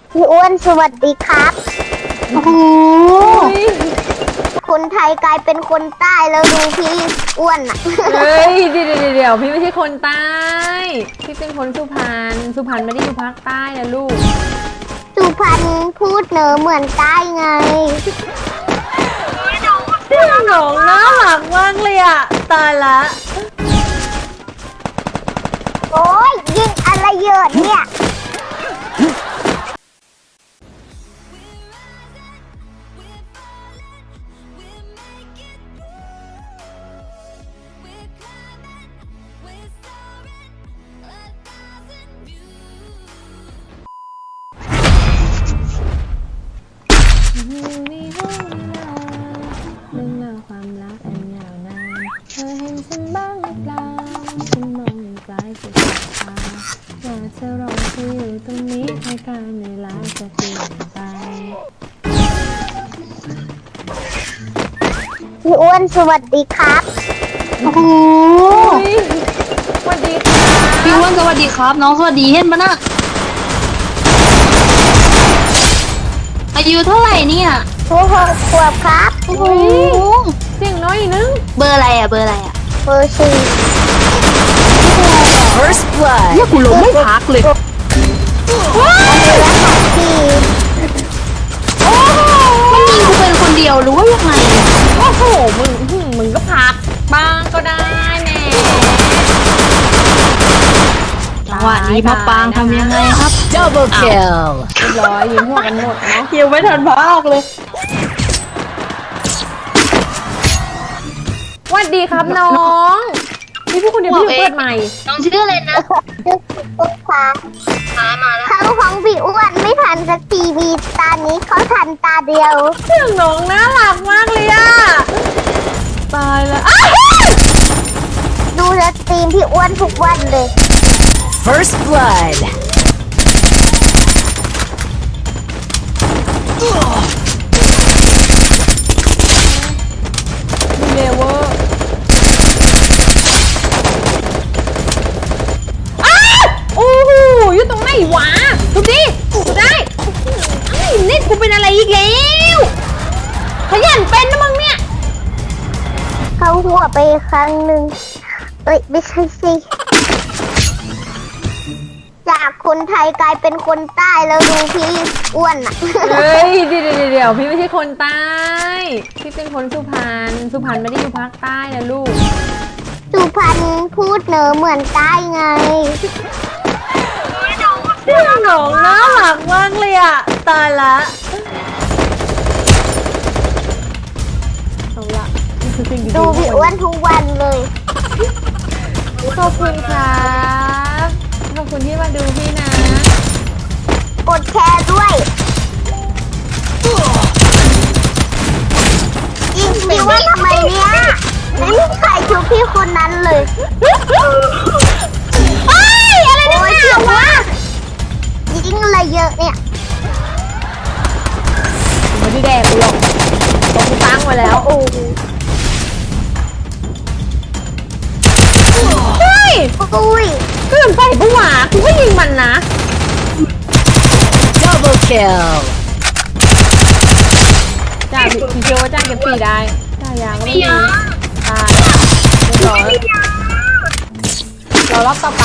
พี่อ้วนสวัสดีครับโอ้โหคนไทยกลายเป็นคนใต้แล้วดูพี่อ้วนอ่ะเฮ้ยเดี๋ยวพี่ไม่ใช่คนใต้พี่เป็นคนสุพรรณไม่ได้อยู่ภาคใต้นะลูกสุพรรณพูดเหนือเหมือนใต้ไงน้องน่ารักมากเลยอ่ะตายละโอ้ยยิงอะไรเยอะเนี่ยในห้องเรื่องราวความรักอันยาวนานเธอเห็นฉันบ้างหรือเปล่าฉันมองอยู่ไกลสุดสายตาอยากจะรอเธออยู่ตรงนี้ให้การเวลาจะเปลี่ยนไปพี่อ้วนสวัสดีครับโอ้โหสวัสดีค่ะพี่อ้วนสวัสดีครับ น้องสวัสดีเห็นปะน่ะอายุเท่าไหร่เนี่ย 6 ขวบครับโอ้โหเสียงน้อยอีกนึงเบอร์อะไรอ่ะเบอร์อะไรอ่ะเบอร์4 First Blood เนี่ยกูลงไม่พักเลย มันยิงกูเป็นคนเดียวหรือว่ายังไงโอ้โหมึงก็พักบ้างก็ได้แหม่จังหวะนี้มะปางทำยังไงครับ Double kill เรียบร้อยยิ้มหัวกันหมดเนาะยังไม่ทันพักเลยสวัสดีครับน้องพี่พูดคนเดียวพี่อยู่เปิดใหม่น้องชื่ออะไรนะชื่อพี่อ้วนครับมาแล้วเข้าห้องพี่อ้วนไม่ทันสักทีมีตานี้เขาทันตาเดียวเสียงน้องน่ารักมากเลยอะตายแล้วอ้าวดูสตรีมพี่อ้วนทุกวันเลย First Blood. มีเลเวอร์อ้าวโอ้โหอยู่ตรงไหนวะดูดิดูได้ไอ้เน็ตกูเป็นอะไรอีกแล้วขยันเป็นนะมึงเนี่ยเขาหัวไปครั้งหนึ่งเอ้ยไม่ใช่สิจากคนไทยกลายเป็นคนใต้แล้วดูพี่อ้วนอ่ะเฮ้ยเดี๋ยวพี่ไม่ใช่คนใต้พี่เป็นคนสุพรรณไม่ได้อยู่ภาคใต้นะลูกสุพรรณพูดเหนือเหมือนใต้ไงน้องน่ารักมากเลยอ่ะตายละเอาละนี่คือสิ่งดีๆดูพี่อ้วนทุกวันเลยขอบคุณครับขอบคุณที่มาดูพี่นะกดแชร์ด้วยยิงพี่ว่าทำไมเนี่ยไม่มีใครชุบพี่คนนั้นเลยเฮ้ยอะไรเนี่ยโอ้ยยิงอะไรเยอะเนี่ยไม่ได้แดกกูหรอกตกกูตั้งไว้แล้วโอ้โหเฮ้ยอุ้ยเกินไปปะวะกูก็ยิงมันนะ Double kill. จ้าพี่เชื่อว่าจ้าเก็บปีได้จ้ายางไม่มีตายเรียบร้อยเรารอบต่อไป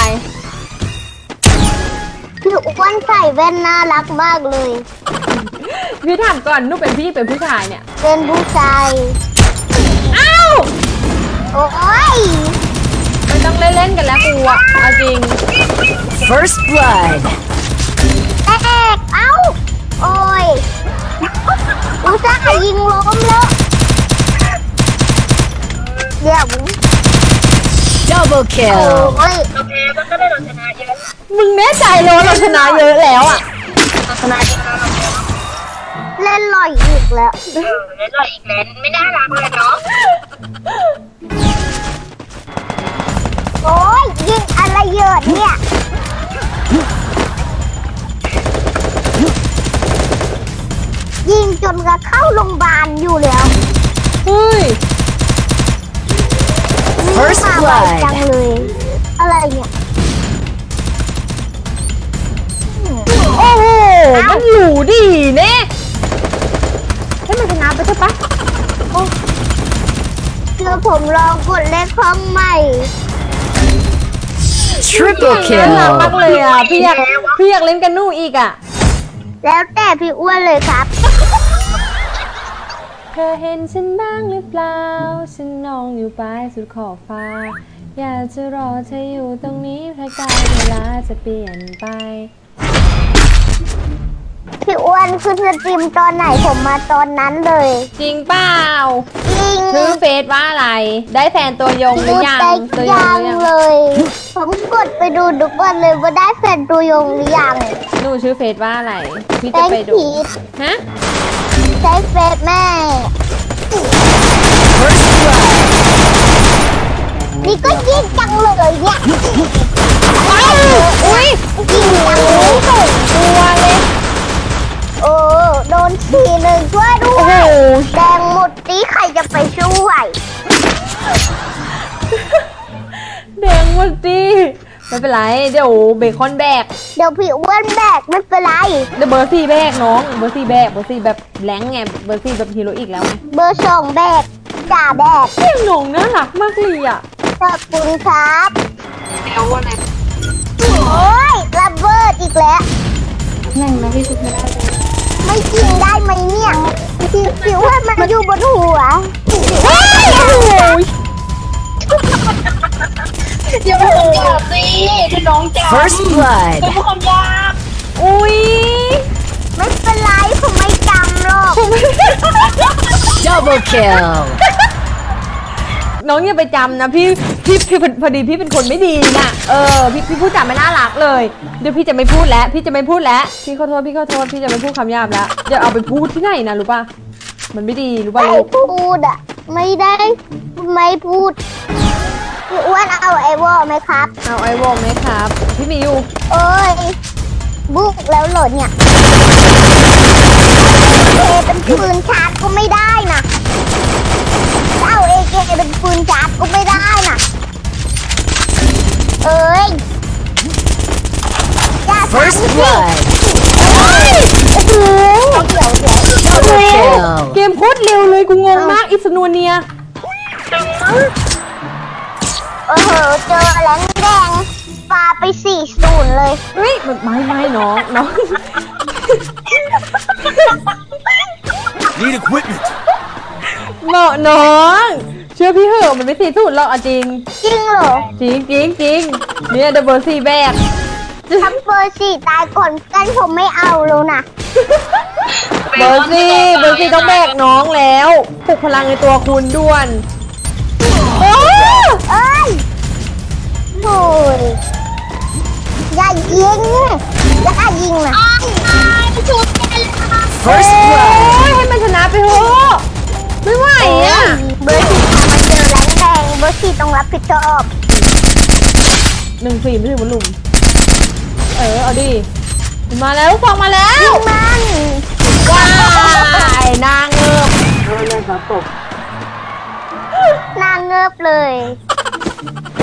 พี่อ้วนใส่แว่นน่ารักมากเลยพี่ถามก่อนนุ๊กเป็นพี่เป็นผู้ชายเนี่ยเป็นผู้ชายอ้าวโอ้ยไม่ต้องเล่นๆกันแล้วกูอะเอาจริง First Blood. แอกเอ้า โอ้ยอุตส่าห์ยิงล้มแล้วเดี๋ยว Double โอ้ kill. ยมึงแน่ใจเลยว่าเราชนะเยอะแล้วอะชนะจริงนะเล่นลอยอีกแล้วเล่นหล่ออีกแล้วไม่น่ารักเลยเนาะโอ้ยยิงอะไรเยอะเนี่ย ยิงจนกระเข้าโรงพยาบาลอยู่แล้วเฮ้ย First มาไว blood จังเลย อะไรเนี่ยโอ้โหมันเหลืลองกดเลขห้องใหม่ Triple น่ารัก kill. มากเลยอ่ะพี่อยากเล่นกันนู่อีกอ่ะแล้วแต่พี่อ้วนเลยครับเธอเห็นฉันบ้างหรือเปล่าฉันนองอยู่ปลายสุดขอบฟ้าอยากจะรอเธออยู่ตรงนี้ถ้าการเวลาจะเปลี่ยนไปพี่อ้วนขึ้นสตรีมตอนไหนผมมาตอนนั้นเลยจริงเปล่าจริงชื่อเฟซว่าอะไร ได้แฟนตัวยงหรือยังแต่ตัวยงยัหงรือยังเลย ผมกดไปดูทุกวันเลยว่าได้แฟนตัวยงหรือยังหนูชื่อเฟซว่าอะไร พี่แตจะงไปดูผีฮะใช้เฟซแม่ First blood. นี่ก็ยิงจังเลยเนี่ยอุ้ยยิงจังเลยตัวเลยโอ้โดนทีหนึ่งช่วยด้วโอ้โหยแดงหมดนี้ใครจะไปช่วยแดงหมดดิไม่เป็นไร เดี๋ยวเบคอนแบกเดี๋ยวพี่อ้วนแบกไม่เป็นไรเดี๋ยวเบอร์สี่แบกน้อง เบอร์สี่แบก เบอร์สี่แบบแรงไง เบอร์สี่แบบฮีโร่อีกแล้วไงเบอร์สองแบกจ่าแบกเสียงหนงน่ารักมากเลยอ่ะขอบคุณครับโอ้ยระเบิดอีกแล้วแรงนะพี่ชุบไม่ได้เลยไม่จริงได้ไหมเนี่ยพี่อ้วนมันอยู่บนหัวโอ้ยอย่าพูดคำหยาบสิคือน้องจ๋า First blood. อย่าพูดคำหยาบอุ้ยไม่เป็นไรผมไม่จำหรอก Double kill. น้องอย่าไปจำนะพี่พอดีพี่เป็นคนไม่ดีนะพี่พูดจาไม่น่ารักเลย เดี๋ยวพี่จะไม่พูดแล้ว พี่จะไม่พูดแล้ว พี่ขอโทษ พี่จะไม่พูดคำหยาบแล้ว เดี๋ยวเอาไปพูดที่ไหนนะรู้ป่ะ มันไม่ดีรู้ป่ะไม่ลูกพูดอ่ะ ไม่ได้ไม่พูดพี่อ้วนเอาไอวอลไหมครับเอาไอวอลไหมครับ พี่มีอยู่เอ้ยบุกแล้วเหรอเนี่ยเอเป็นปืนชาร์จก็ไม่ได้นะจะเอาเอเกเป็นปืนชาร์จก็ไม่ได้นะเอ้ยอย่า First ทำสิ blood. โอ้โหเดี๋ยว Double เก kill. มโคตรเร็วเลยกูงงมากอิสนวเนียโอ้โหเจอแหลงแดงปาไป4-0เลยเฮ้ยไม่น้อง Need equipment. เหมาะน้อง เชื่อพี่เหอะมันไม่สีสุดหรอกเอาจริงจริงเหรอจริงเนี่ยเดอะเบอร์สี่แบกทำเบอร์4ตายก่อนกันผมไม่เอาแล้วนะเบอร์สี่ต้องแบกน้องแล้วปลุกพลังในตัวคุณด่วนโอ้เอ้ยโอ้ยอย่ายิงนะ First ย blood. ให้มันชนะไปเถอะไม่ไหวอ่ะเบอร์4มาเจอแหลงแดงเบอร์4ต้องรับผิดชอบ 1 4ไม่ถึงบอลลุมเอาดิมาแล้วลูกฟองมาแล้วยิงมันว้ายนางเงือบนางเงิบเลย